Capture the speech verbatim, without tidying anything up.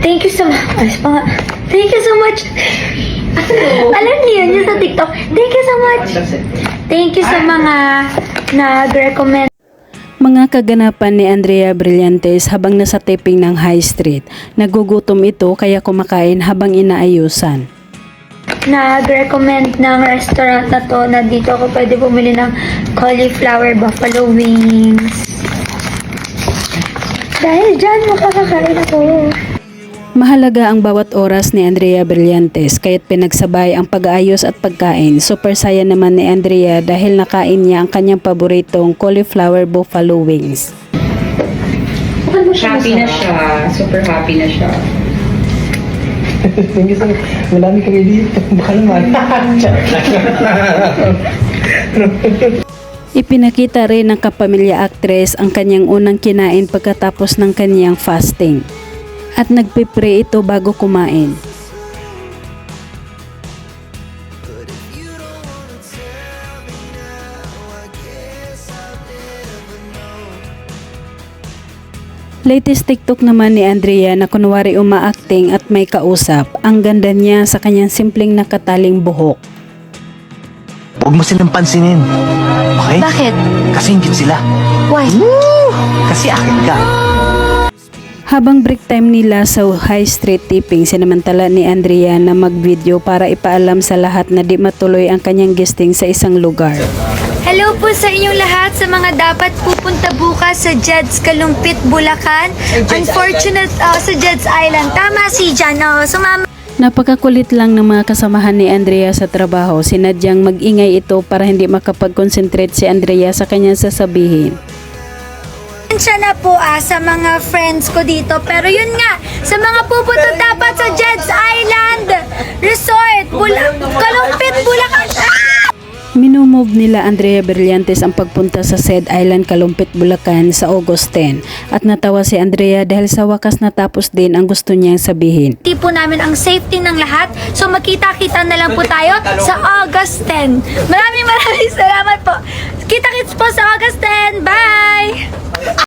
Thank you so much. Ayos pa nga. Thank you so much. Alam niyo yun, yun sa TikTok. Thank you so much. Thank you sa mga nag-recommend. Mga kaganapan ni Andrea Brillantes habang nasa taping ng High Street. Nagugutom ito kaya kumakain habang inaayusan. Nag-recommend ng restaurant na to na dito ako pwede bumili ng cauliflower buffalo wings. Dahil dyan makakakain ako. Mahalaga ang bawat oras ni Andrea Brillantes kaya't pinagsabay ang pag-aayos at pagkain. Super saya naman ni Andrea dahil nakain niya ang kanyang paboritong cauliflower buffalo wings. Happy na siya. Super happy na siya. Thank you so much. Marami kami dito. Baka naman. Ipinakita rin ng kapamilya actress ang kanyang unang kinain pagkatapos ng kanyang fasting. At nagpipray ito bago kumain. Latest TikTok naman ni Andrea na kunwari uma-acting at may kausap. Ang ganda niya sa kanyang simpleng nakataling buhok. Huwag mo silang pansinin. Okay? Bakit? Kasi ingit sila. Why? Kasi akin ka. Habang break time nila sa High Street tipping, sinamantala ni Andrea na mag-video para ipaalam sa lahat na di matuloy ang kanyang guesting sa isang lugar. Hello po sa inyong lahat sa mga dapat pupunta bukas sa Jed's Kalumpit, Bulacan. Unfortunate, uh, sa Jed's Island. Tama si Jan. Oh, sumama. Napakakulit lang ng mga kasamahan ni Andrea sa trabaho. Sinadyang mag-ingay ito para hindi makapag-concentrate si Andrea sa kanyang sasabihin. Siya na po ah, sa mga friends ko dito. Pero yun nga, sa mga pupunta dapat sa Jed's Island Resort, Bula Kalumpit, Bulacan. Ah! Minumove nila Andrea Brillantes ang pagpunta sa said Island Kalumpit, Bulacan sa August tenth at natawa si Andrea dahil sa wakas natapos din ang gusto niyang sabihin. Hindi po namin ang safety ng lahat. So magkita-kita na lang po tayo sa August tenth. Maraming maraming salamat po. Kita-kits po sa August tenth. Bye!